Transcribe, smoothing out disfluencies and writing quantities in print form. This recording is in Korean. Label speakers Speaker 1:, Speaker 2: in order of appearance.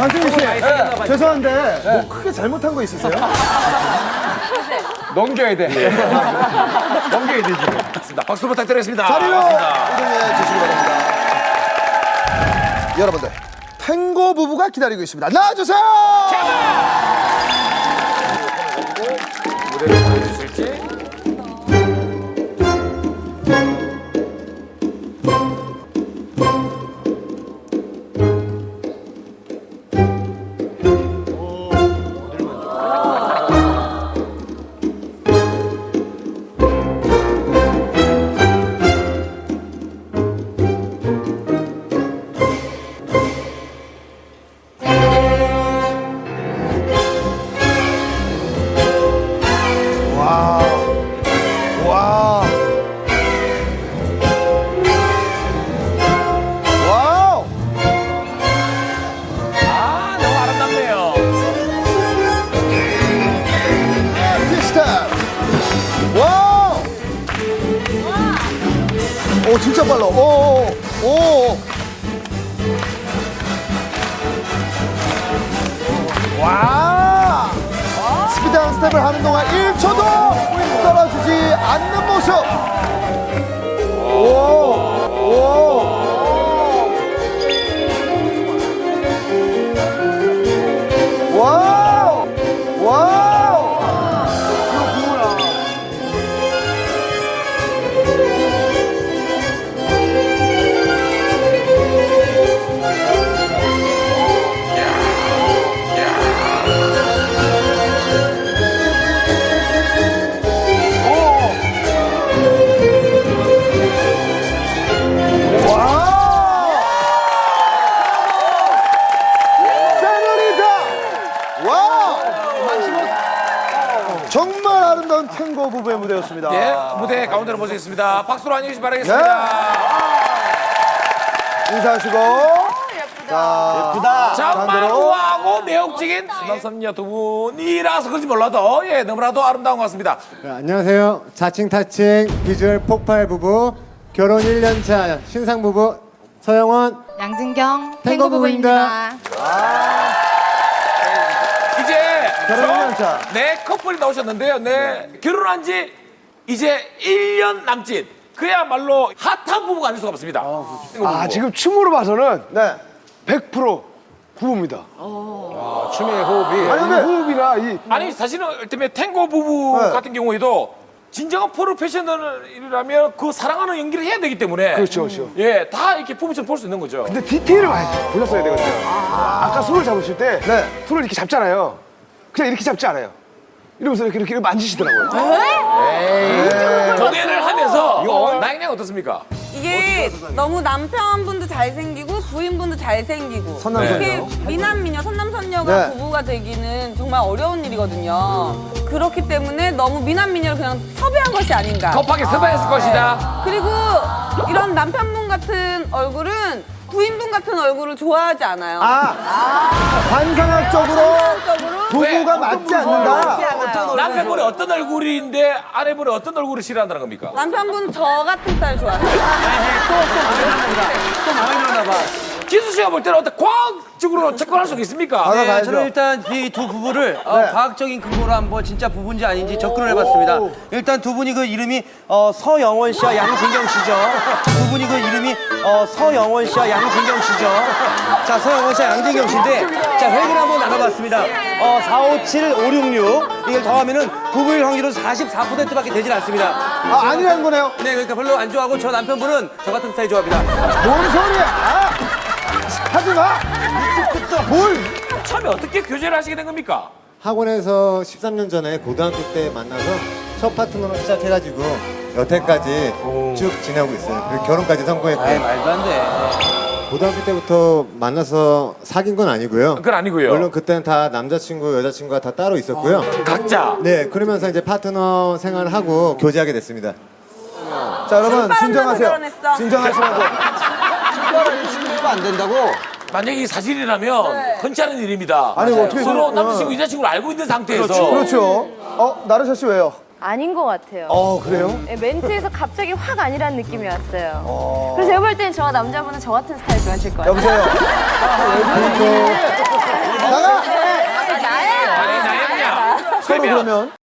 Speaker 1: 강승희 씨, 죄송한데 뭐 크게 잘못한 거 있으세요?
Speaker 2: 넘겨야 돼. 넘겨야 되지.
Speaker 3: 박수 부탁드리겠습니다.
Speaker 1: 자리로
Speaker 3: 반갑습니다.
Speaker 1: 이동해 주시기 바랍니다. 여러분들, 탱고 부부가 기다리고 있습니다. 나와주세요!
Speaker 3: 무대를 보여주실지.
Speaker 1: 와우!
Speaker 3: 아, 너무 아름답네요.
Speaker 1: 아티스타! 와우! 오, 진짜 빨라. 오. 와! 스피드한 스텝을 하는 동안 1초도 떨어지지 않는 모습. 오. 와우! 와우! 와우! 세뇨리타! 와우! 정말 아름다운 탱고 부부의 무대였습니다.
Speaker 3: 예, 무대 가운데로 모시겠습니다. 박수로 안녕히 바라겠습니다.
Speaker 1: 인사하시고. 자,
Speaker 3: 자,
Speaker 1: 반대로.
Speaker 3: 마루하고 매혹적인 수남선녀 두 분이라서 그런지 몰라도 예, 너무나도 아름다운 것 같습니다.
Speaker 4: 네, 안녕하세요. 자칭 타칭 비주얼 폭발 부부 결혼 1년 차 신상 부부 서영원
Speaker 5: 양진경
Speaker 4: 탱고
Speaker 5: 탱고 부부입니다.
Speaker 3: 이제
Speaker 1: 결혼 1년 차.
Speaker 3: 네 커플이 나오셨는데요. 네 결혼한 지 이제 1년 남짓. 그야말로 핫한 부부가 아닐 수가 없습니다.
Speaker 2: 아, 지금 춤으로 봐서는
Speaker 1: 네.
Speaker 2: 100% 부부입니다.
Speaker 3: 춤의 호흡이.
Speaker 1: 아니, 근데
Speaker 2: 호흡이나 이
Speaker 3: 아니 사실은 때문에 탱고 부부
Speaker 1: 네.
Speaker 3: 같은 경우에도 진정한 프로페셔널이라면 그 사랑하는 연기를 해야 되기 때문에
Speaker 2: 그렇죠.
Speaker 3: 예, 다 이렇게 부부처럼 볼 수 있는 거죠.
Speaker 2: 근데 디테일을 보셨어야 되거든요. 아까 손을 잡으실 때
Speaker 1: 네.
Speaker 2: 손을 이렇게 잡잖아요. 그냥 이렇게 잡지 않아요. 이러면서 이렇게 만지시더라고요.
Speaker 3: 공연을 하면서 나영양 어떻습니까?
Speaker 6: 이게 너무 남편분도 잘생기고 부인분도 잘생기고
Speaker 1: 선남선녀.
Speaker 6: 이렇게 미남미녀 선남선녀가
Speaker 1: 네.
Speaker 6: 부부가 되기는 정말 어려운 일이거든요. 그렇기 때문에 너무 미남미녀를 그냥 섭외한 것이 아닌가.
Speaker 3: 급하게 섭외했을 것이다.
Speaker 6: 그리고 이런 남편분 같은 얼굴은 부인분 같은 얼굴을 좋아하지 않아요.
Speaker 1: 관상학적으로 부부가
Speaker 3: 왜?
Speaker 1: 맞지 않는다.
Speaker 6: 맞지 않아요.
Speaker 3: 남편분이 어떤 얼굴인데 아내분이 어떤 얼굴을 싫어한다는 겁니까?
Speaker 6: 남편분 저 같은 스타일 좋아해요.
Speaker 3: 기수 씨가 볼 때는 어떤 과학적으로 접근할 수 있습니까?
Speaker 1: 아,
Speaker 7: 네,
Speaker 1: 가야죠.
Speaker 7: 저는 일단 이 두 부부를 과학적인 근거로 한번 진짜 부부인지 아닌지 접근을
Speaker 1: 오.
Speaker 7: 해봤습니다. 일단 두 분이 그 이름이 서영원 씨와 양진경 씨죠. 두 분이 그 이름이 서영원 씨와 양진경 씨죠. 자, 서영원 씨와 양진경 씨인데 자, 획을 한번 나눠봤습니다. 4, 5, 7, 5, 6, 6 이걸 더하면은 부부일 확률은 44%밖에 되질 않습니다.
Speaker 1: 아니라는 거네요.
Speaker 7: 네, 그러니까 별로 안 좋아하고 저 남편분은 저 같은 스타일 좋아합니다.
Speaker 1: 뭔 소리야? 하지 마. 뭘?
Speaker 3: 처음에 어떻게 교제를 하시게 된 겁니까?
Speaker 4: 학원에서 13년 전에 고등학교 때 만나서 첫 파트너로 시작해가지고 여태까지 쭉 지내고 있어요. 그리고 결혼까지 성공했고
Speaker 7: 말도 안 돼.
Speaker 4: 고등학교 때부터 만나서 사귄 건 아니고요.
Speaker 3: 그건 아니고요.
Speaker 4: 물론 그때는 다 남자친구 여자친구가 다 따로 있었고요.
Speaker 3: 각자.
Speaker 4: 네, 그러면서 이제 파트너 생활을 하고 교제하게 됐습니다.
Speaker 1: 자, 여러분
Speaker 6: 신발은
Speaker 1: 진정하세요.
Speaker 6: 결혼했어.
Speaker 1: 진정하시라고.
Speaker 3: 만약에 이 사실이라면 흔치 않은 일입니다.
Speaker 1: 아니, 뭐 어떻게
Speaker 3: 서로
Speaker 1: 그런-
Speaker 3: 남자친구, 여자친구를 알고 있는 상태에서
Speaker 1: 그렇죠. 나르샤 씨 왜요?
Speaker 5: 아닌 것 같아요.
Speaker 1: 그래요?
Speaker 5: 네, 멘트에서 갑자기 확 아니라는 느낌이 왔어요. 그래서 제가 볼 때는 저 남자분은 저 같은 스타일 좋아하실 거예요.
Speaker 1: 여보세요. 서로 그러면